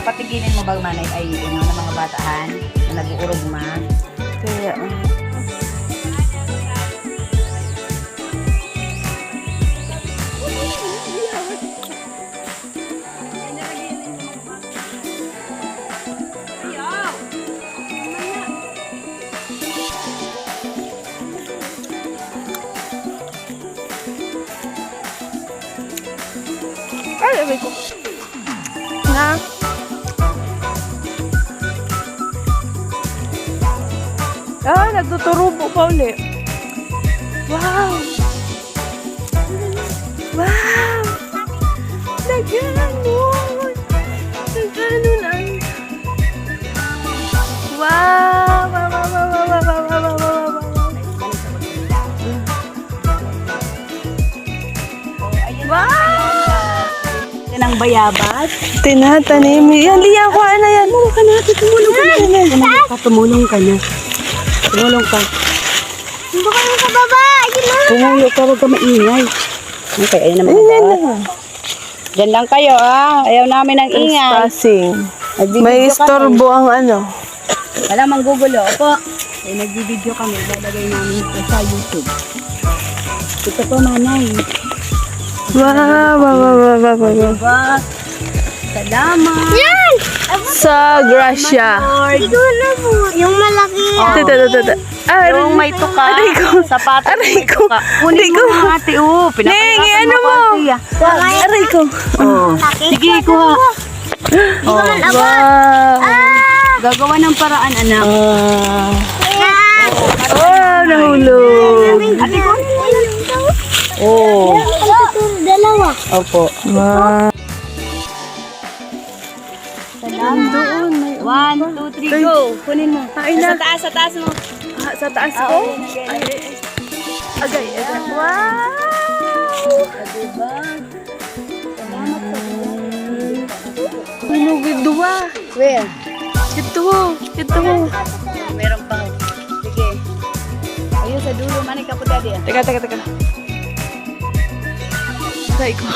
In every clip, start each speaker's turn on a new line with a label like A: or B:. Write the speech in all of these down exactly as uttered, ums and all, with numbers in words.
A: papatigilin mo ba manay ay ano ng mga bataan na nag-uurugma?
B: Kaya, uh, ay, abay ko. Na. Ah, nagtuturubo pa uli. Wow! Wow! Nagganon! Nagganon ang... Wow! Wow! Wow! Wow! Wow! Wow! Wow! Wow! Wow! Wow! Wow!
A: Yan ang bayabas.
B: Tinatanim. Yan, liyan ko. Ano yan? Tumulong ka na. Tumulong ka na.
A: Tumulong ka, tumulong ka na. Tumulong ka.
C: Hindi ko yung sa baba. Yun na.
A: Tumulo ka, huwag ka maingay. Okay, ayun naman ang bawat. Diyan lang kayo ah. Ayaw namin ng ingay.
B: Passing.
A: Nagbibideo
B: May
A: kami.
B: istorbo ang ano.
A: Wala mang gugulo. Opo. Eh, nagbibideo kami. Lalagay namin ito sa YouTube. Ito po, manay.
B: Wow, wow, wow, wow, wow, wow.
A: Diba? Salamat.
C: Yan!
B: Sa Gracia.
C: Hindi ko na po. Yung malaki.
A: Oh.
B: Tita, tita, tita. Ah,
A: Yung may tuka.
B: Aray ko.
A: Sapatos
B: Aray
A: may
B: ko.
A: tuka.
B: Aray
A: Kunin
B: ko.
A: mo na ate. Oh,
B: Neng,
A: pinapahirapan
B: ano
A: mo
B: mo?
A: ko, ate, ah.
B: Aray ko.
A: Oh. Sige, kuha. Oh.
B: Wow.
A: Gagawa ng paraan, anak.
B: Ah.
C: Yan!
B: Oh, nahulog.
A: Ate ko.
C: Oh. Dalawa.
A: Opo.
B: Wow.
A: Salamat. One, two, three, go. Kunin mo.
B: Ay,
A: Sa
B: na.
A: taas, sa taas mo.
B: Ah, sa taas
A: Ah,
B: ko?
A: okay, okay.
B: Ay, agay, agay. Wow.
A: Ah, diba? Salamat sa
B: Hulugid duwa.
A: Where?
B: Ito, ito.
A: Meron pa. Sige. Ayun sa dulo, manik ka po daddy. ah.
B: Teka, teka, teka. Aray ko.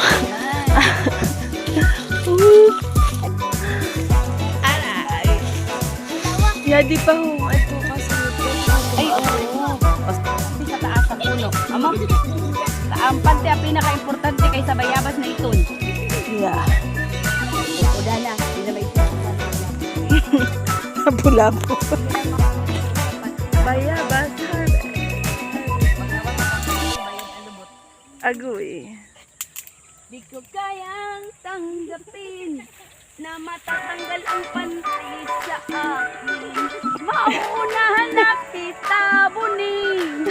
A: Aray.
B: Yadi pa ho. Ito kasi.
A: Ay, oo. Kasi sa taas sa puno. Amo? Ang pante ang pinaka-importante kaysa bayabas na iton.
B: Yeah.
A: O dala, hindi na may
B: Pula po. Bayabas harvest. Agoy.
A: Di ko kayang tanggapin na matatanggal ang panty sa akin. Mauunahan na kita bunin.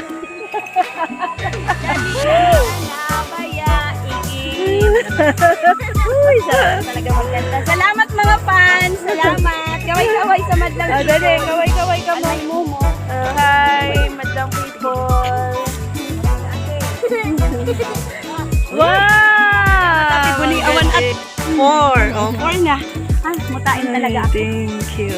A: Dali na bayaigin. Uy, sarap talaga magkanta. Salamat mga fans. Salamat. Kaway-kaway sa madlang
B: Ah, dali. Kaway-kaway ka mo.
A: Alay mo mo.
B: Uh, hi, madlang people. Wow!
A: Tapi buli awan at four. Oh, four na. Ah, mutain talaga ako.
B: Thank you.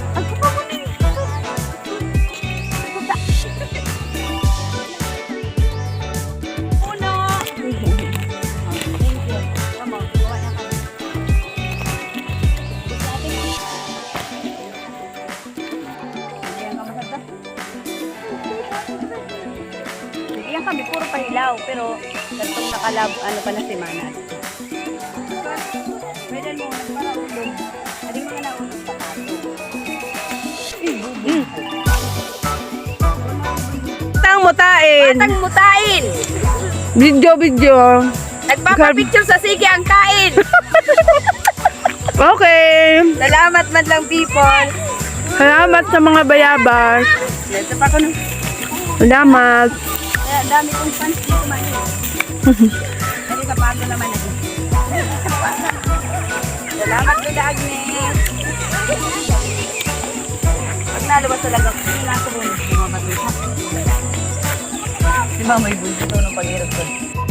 A: Uno. Thank you. Come on, gawa na kami. Ayan ka masarap. Ayan kami, puro pahilaw. Pero, gantong nakalab, ano pa na si Manat. Pwede mo, para ulog. Hindi mo na ulog sa kato.
B: Tang mutain.
A: Batang mutain!
B: Video, video.
A: Nagpapapicture sa sige ang kain!
B: Okay.
A: Salamat madlang people!
B: Salamat sa mga bayabas.
A: Ito pa ko nung...
B: Salamat.
A: Kaya dami kong fans dito man eh. Kasi sa pago naman eh. Salamat Lola Agnes! Pag nalabas talaga, nasa mo mga matusa. Di ba may bunso ito nung paghirap ko?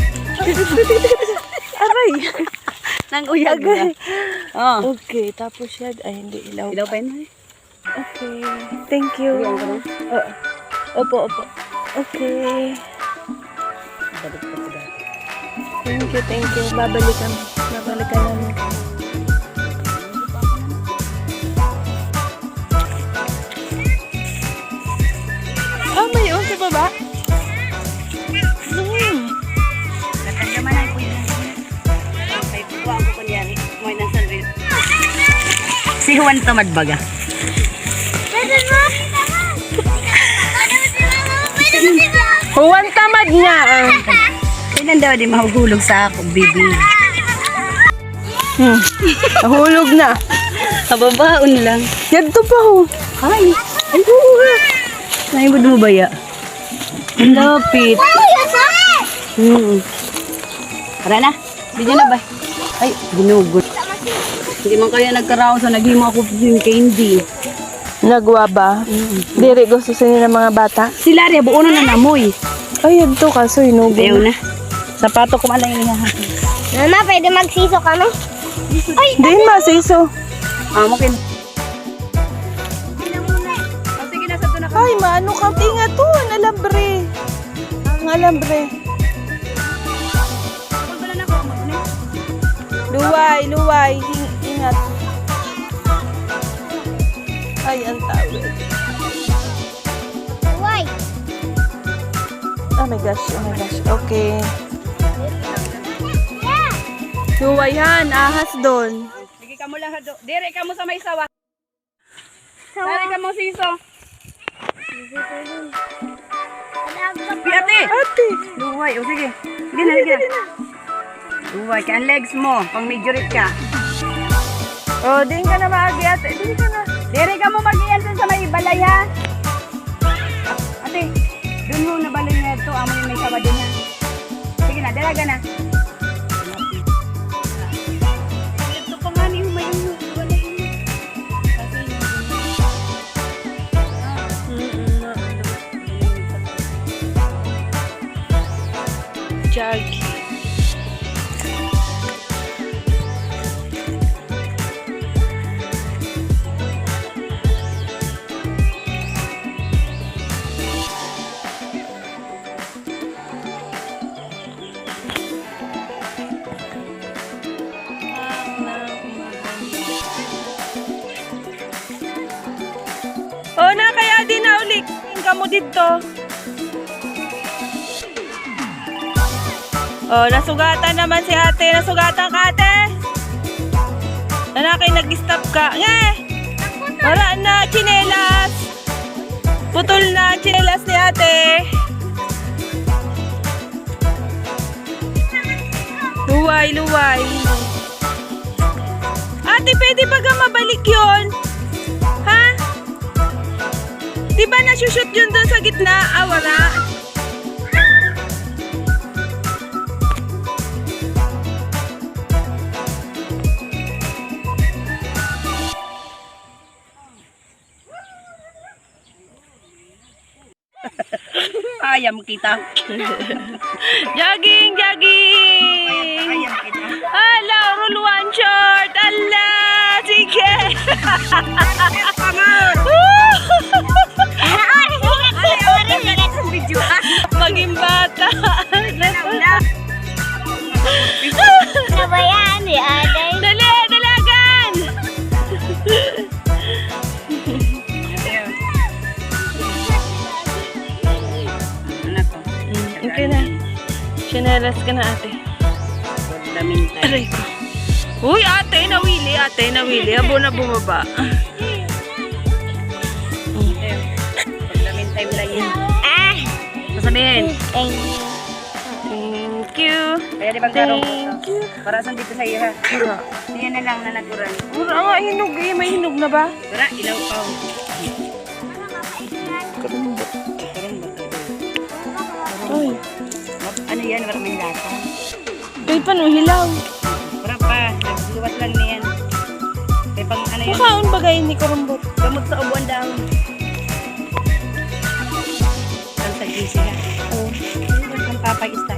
B: Aray.
A: Nang uyag na. Oh.
B: Okay, tapos yan. Ay, hindi ilaw.
A: Ilaw pa yun eh.
B: Okay. Thank you.
A: Uyan ka na?
B: Oo. Opo, opo. Okay.
A: Balik pa sila.
B: Thank you, thank you. Babalikan. Babalikan namin. ko ba? Hmm.
A: Natagyaman ang kuya. Okay, buwa ko kunyari. May nasa rin. Si Juan tamad baga.
C: Pwede mo?
B: Huwan tamad niya. ah.
A: Kailan daw di mahuhulog sa ako, baby?
B: Hmm. Nahulog na.
A: Kababaon lang.
B: Yadto pa ho.
A: Ay, ay buha. Naibod mo ba ya? Ang lapit. Hmm. Tara na. Bigyan na ba? Ay, ginugot. Hindi man kaya nagkaraon sa naghimo ako yung candy.
B: Nagwa ba? Diri gusto sa nila mga bata.
A: Sila rin, buo na namoy.
B: Ay, yadto kaso inugo
A: Ayaw
B: na.
A: na. Sapato ko malang yung hahakin.
C: Mama, pwede magsiso kami? Ay,
B: Din masiso.
A: Ah, mungkin. Oh, sige na, sabto na ka.
B: Ay, maano ka? Tinga to. Ang alambre. Ang alambre.
A: Wala na ako, mag-una.
B: Luway, luway. Hing ingat. Ay, ang tawid.
C: why?
B: Oh my gosh, oh my gosh. Okay. Luway han, ahas doon.
A: Sige ka mo lang, hado. Dire ka mo sa may sawa. Dire ka mo siso. Ate!
B: Ate.
A: Luway, o sige. Sige na, sige na. Luway, kaya ang legs mo, pang majorit ka.
B: Oh, din ka na maagi ate. Din ka na.
A: Dire ka mo mag-iyan dun sa may balay, ha? Ate, dun mo na balay na ito. Amo yung may sawa din, ha? Sige na, dalaga na. Ito pa nga niyo, may yung balay niyo. Kasi
B: Jug. Oh, na kaya din na ulit. Ka mo dito. Oh, nasugatan naman si ate. Nasugatan ka, ate. Nanakay nag-stop ka. Nge! Wala na, chinelas. Putol na, chinelas ni ate. Luway, luway. Ate, pwede ba ka mabalik yun? Ha? Di ba nasushoot yun doon sa gitna? Ah, wala.
A: ayam kita.
B: Jogging, jogging.
A: Ayam kita.
B: Hello, roll one short. Allah, sige. Maging bata.
C: Nabayaan ni Aday.
B: Dali, dalagan. Okay na. Sinelas ka na, ate. Aray ko. Uy, ate, nawili, ate, nawili. Abo na bumaba.
A: Paglamin time lang yan.
C: Ah!
A: Sasabihin.
C: Thank you.
B: Thank you.
A: Kaya di bang karong
B: Thank you.
A: para saan dito sa iyo ha? Yan na lang na natural.
B: Mura nga, hinog eh. May hinog na ba?
A: Tara, ilaw pa.
B: Karumbot.
A: Karong ba?
B: Uy.
A: Ano yan? Maraming lata.
B: Uy, paano hilaw?
A: Tara pa. Nagluwas lang niyan. Kaya pang ano yun?
B: Makaon ba gayon ni karumbot?
A: Gamot sa ubuan daw. Ang sa gisi ha.
B: Oh.
A: Ang papag-ista.